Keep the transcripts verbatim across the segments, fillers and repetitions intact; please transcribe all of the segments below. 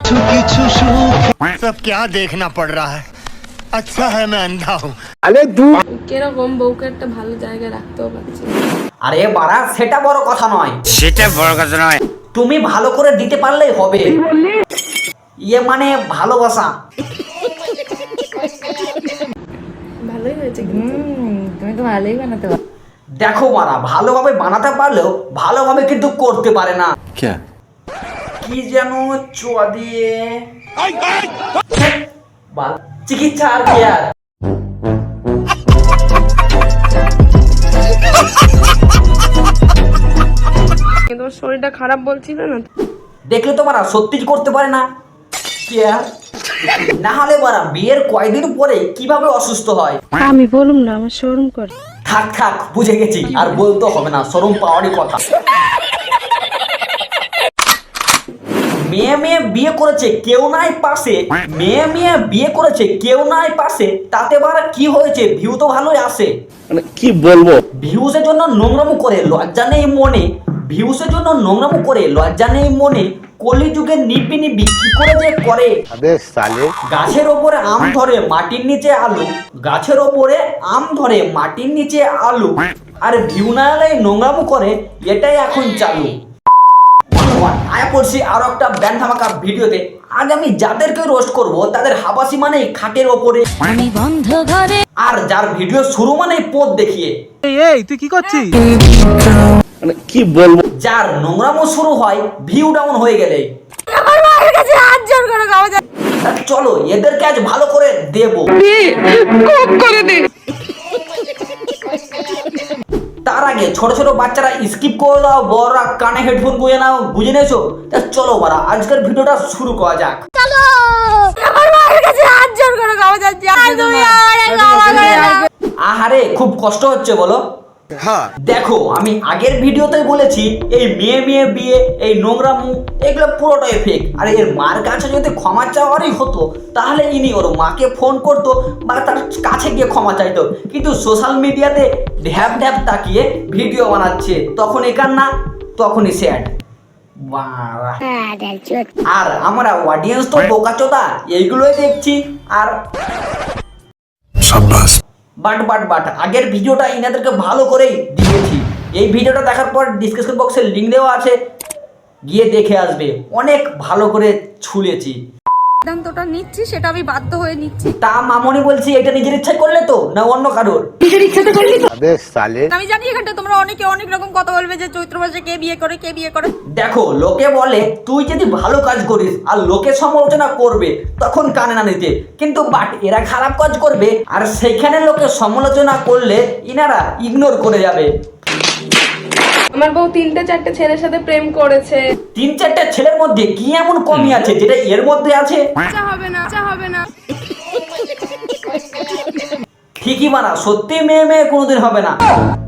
किछु किछु सुख सब क्या देखना पड़ रहा है अच्छा है मैं अंधा हूँ আরে দু কিরকম বউকে একটা ভালো জায়গায় রাখতেও পারছি না। আরে বাড়া সেটা বড় কথা নয়, সেটা বড় কথা নয় তুমি ভালো করে দিতে পারলেই হবে। ইয়ে মানে ভালোবাসা। ভালোই হয়েছে কিন্তু তুমি তো ভালোই বানাতে পারো। দেখো মারা ভালোভাবে বানাতে পারলেও ভালোভাবে কিন্তু করতে পারে না। কি যেন চোয়া দিয়ে বাল চিকিৎসা আর কি আর। কিন্তু ওর শরীরটা খারাপ বলছিল না, দেখলে তো মারা সত্যি করতে পারে না। কি আর না হলে মারা বিয়ের কয়দিন পরে কিভাবে অসুস্থ হয়। আমি বলুম না আমার শরম করে। থাক থাক বুঝে গেছি, আর বলতে হবে না, শরম পাওয়ারই কথা। মেয়ে মেয়ে বিয়ে করেছে কেউ নাই পাশে, মেয়ে মেয়ে বিয়ে করেছে কেউ নাই পাশে, তাতে বারা কি হয়েছে, ভিউ তো ভালোই আসে। মানে কি বলবো, ভিউসের জন্য নোংরামো করে লজ্জা নেই মনে, ভিউসের জন্য নোংরামো করে লজ্জা নেই মনে, কলিযুগে নিবি নিবি কি করে যে করে। আবে সালে গাছের ওপরে আম ধরে মাটির নিচে আলু, গাছের ওপরে আম ধরে মাটির নিচে আলু, আর ভিউ না এলে নোংরামো করে, এটাই এখন চালু। আয়া পড়ছি আরো একটা ব্যান্ড ধামাকা ভিডিওতে। আজ আমি যাদেরকে রোস্ট করব তাদের হাবাসি মানে খাটের ওপরে, আমি বন্ধ ঘরে। আর যার ভিডিও শুরু মানে পোদ দেখিয়ে। এই তুই কি করছিস? মানে কি বলবো, যার নোংরামো শুরু হয় ভিউ ডাউন হয়ে গেলে। আমার মায়ের কাছে হাত জোর করে গাওয়া যায়। চলো এদেরকে আজ ভালো করে দেবো। তার আগে ছোট ছোট বাচ্চারা স্কিপ করে দাও, বড়রা কানে হেডফোন গুঁজে নাও, বুঝে নিয়েছো? চলো বারা আজকের ভিডিওটা শুরু করা যাক। চলো আমার মায়ের কাছে হাত জোর করে গাওয়া যাচ্ছে। আর তুমি আমারে গাওয়া করে না। আহারে খুব কষ্ট হচ্ছে বলো। हाँ দেখো আমি আগের ভিডিওতে বলেছি এই মেয়ে মেয়ে বিয়ে, এই নোংরা মুখ, এগুলো পুরোটাই ফেক। আর এর মার কাছে যদি ক্ষমা চাওয়ারই হতো তাহলে ইনি ওর মাকে ফোন করতো বা তার কাছে গিয়ে ক্ষমা চাইতো, কিন্তু সোশ্যাল মিডিয়াতে ঢ্যাপ ঢ্যাপ তাকিয়ে ভিডিও বানাচ্ছে, তখন একার না তখনই স্যাড। আর আমরা অডিয়েন্স তো বোকাচোদা, এইগুলোই দেখছি। আর বাট বাট বাট আগের ভিডিওটা ইনাদেরকে ভালো করেই দিয়েছি। এই ভিডিওটা দেখার পর ডিসক্রিপশন বক্সে লিঙ্ক দেওয়া আছে, গিয়ে দেখে আসবে। অনেক ভালো করে ছুলেছি। সিদ্ধান্তটা নিচ্ছি সেটা আমি বাধ্য হয়ে নিচ্ছি। তা মামনি বলছি এটা নিজের ইচ্ছা করলে তো না অন্য কারোর? আবে সালে আমি জানি এখানটা তোমরা অনেকে অনেক রকম কথা বলবে যে চৈত্র মাসে কে বিয়ে করে কে বিয়ে করে। দেখো লোকে বলে তুই যদি ভালো কাজ করিস আর লোকে সমালোচনা করবে তখন কানে না নিতে, কিন্তু বাট এরা খারাপ কাজ করবে আর সেখানে লোকে সমালোচনা করলে ইনারা ইগনোর করে যাবে। আমার বউ তিনটে চারটে ছেলের সাথে প্রেম করেছে। তিন চারটা ছেলের মধ্যে কি এমন কমি আছে যেটা এর মধ্যে আছে? আচ্ছা হবে না, আচ্ছা হবে না। ঠিকই মানা, সত্যি মেয়ে মেয়ে কোনোদিন হবে না।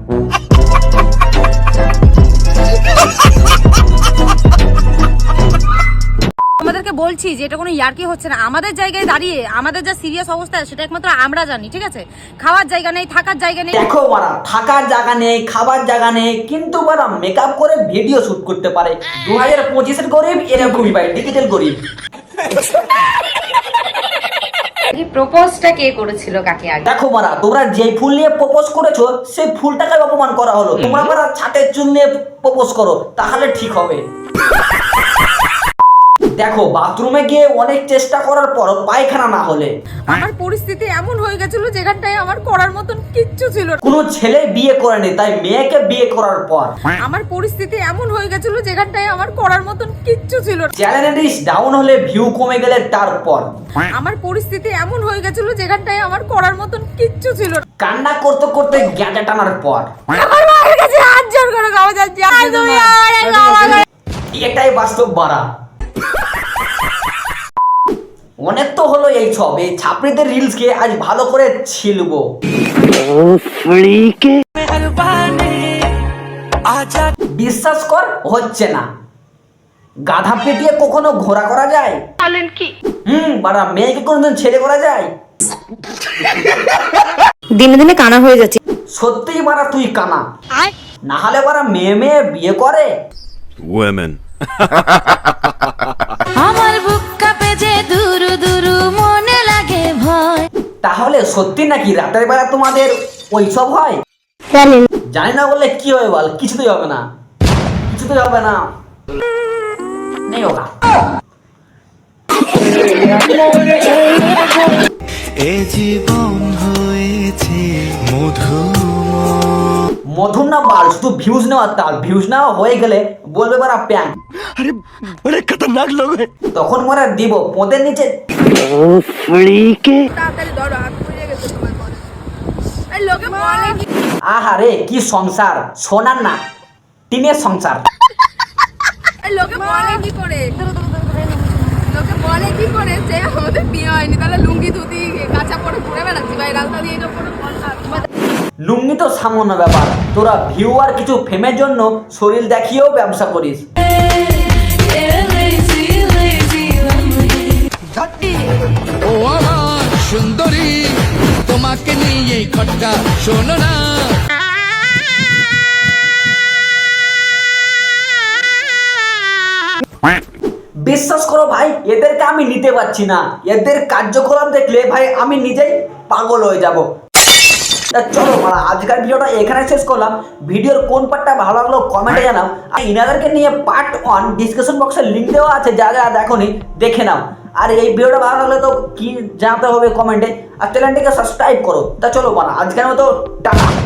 আমাদেরকে বলছি যে এটা কোনো ইয়ার্কি হচ্ছে না। আমাদের জায়গায় দাঁড়িয়ে আমাদের যা সিরিয়াস অবস্থা সেটা একমাত্র আমরা জানি, ঠিক আছে? খাওয়ার জায়গা নেই, থাকার জায়গা নেই। দেখো মারা থাকার জায়গা নেই, খাবার জায়গা নেই, কিন্তু মারা মেকআপ করে ভিডিও শুট করতে পারে। দু হাজার পঁচিশের গরিব এরকমই ভাই, ডিজিটাল গরিব। প্রপোজটা কে করেছিল কাকে আগে? দেখো মারা তোমরা যে ফুল নিয়ে প্রপোজ করেছো সেই ফুলটাকে অপমান করা হলো। তোমরা মারা ছাটের চুল নিয়ে প্রপোজ করো তাহলে ঠিক হবে। দেখো বাথরুমে গিয়ে অনেক চেষ্টা করার পর পায়খানা না হলে, আমার পরিস্থিতি এমন হয়ে গেছিল যেখানটায় আমার করার মতন কিচ্ছু ছিল না। কোনো ছেলে বিয়ে করেনি তাই মেয়েকে বিয়ে করার পর, আমার পরিস্থিতি এমন হয়ে গেছিল যেখানটায় আমার করার মতন কিচ্ছু ছিল না। চ্যানেল রিচ ডাউন হলে ভিউ কমে গেলে তারপর, আমার পরিস্থিতি এমন হয়ে গেছিল যেখানটায় আমার করার মতন কিচ্ছু ছিল না। কান্না করতে করতে গ্যাঁজা টানার পর, আমার মায়ের কাছে হাত জোর করে গাওয়া যাচ্ছে। আর তুমি আমারে গাওয়া করে। এটাই বাস্তব বাড়া। অনেক তো হলো এই সব, এই ছাপড়িদের রিলস কে আজ ভালো করে ছিলবো। বিশ্বাস কর হচ্ছে না, গাধা পেটিয়ে কখনো ঘোড়া করা যায়? বলেন কি? হুম বাড়া মেয়েকে কোনোদিন ছেলে করা যায়? দিনে দিনে কানা হয়ে যাচ্ছে। সত্যিই বাড়া তুই কানা, না হলে বাড়া মেয়ে মেয়ে বিয়ে করে। Women. আমার বুক কাঁপে। তাহলে সত্যি নাকি রাতের বেলা তোমাদের ওইসব হয়? জানি না বললে কি হবে বল, কিছুতেই হবে না, কিছুতেই হবে না, নেই হোগা। এ জীবন হয়েছে মধুময়। মধুর না বাল, শুধু ভিউজ নেওয়ার তাল, ভিউজ নেওয়া হয়ে গেলে বলবে বারা প্যাং। अरे बड़े खतरनाक लोग हैं। তখন মোরা দিব পদের নিচে। তাড়াতাড়ি ধরো, হাত পুড়ে গেছে তোমার পরে। এই লোকে বলে কি আহারে কি সংসার, সোনার না টিনের সংসার। এই লোকে বলে কি করে লোকে বলে কি করে যে আমাদের বিয়ে হয়নি, তাহলে লুঙ্গি ধুতি কাঁচা পরে ঘুরে বেড়াচ্ছি ভাই রাস্তা দিয়ে, এটা কোনো কথা? লুঙ্গি তো সামান্য ব্যাপার, তোরা ভিউ আর কিছু ফেমের জন্য শরীর দেখিয়েও ব্যবসা করিস। ও আমার সুন্দরী, তোমাকে নিয়ে খটকা শোনো না। বিশ্বাস করো ভাই, এদেরকে আমি নিতে পারছি না, এদের কার্যকলাপ দেখলে ভাই আমি নিজেই পাগল হয়ে যাব। তা চলো মারা, আজকের ভিডিওটা এখানে শেষ করলাম। ভিডিওর কোন পার্টটা ভালো লাগলো কমেন্টে জানাও, আর ইনাদেরকে নিয়ে পার্ট ওয়ান ডিসক্রিপশন বক্সে লিঙ্ক দেওয়া আছে, যারা যারা দেখোনি দেখে নাও। আর এই ভিডিওটা ভালো লাগলে তো কি জানাতে হবে কমেন্টে, আর চ্যানেলটিকে সাবস্ক্রাইব করো। তা চলো মারা, আজকের মতো টাটা।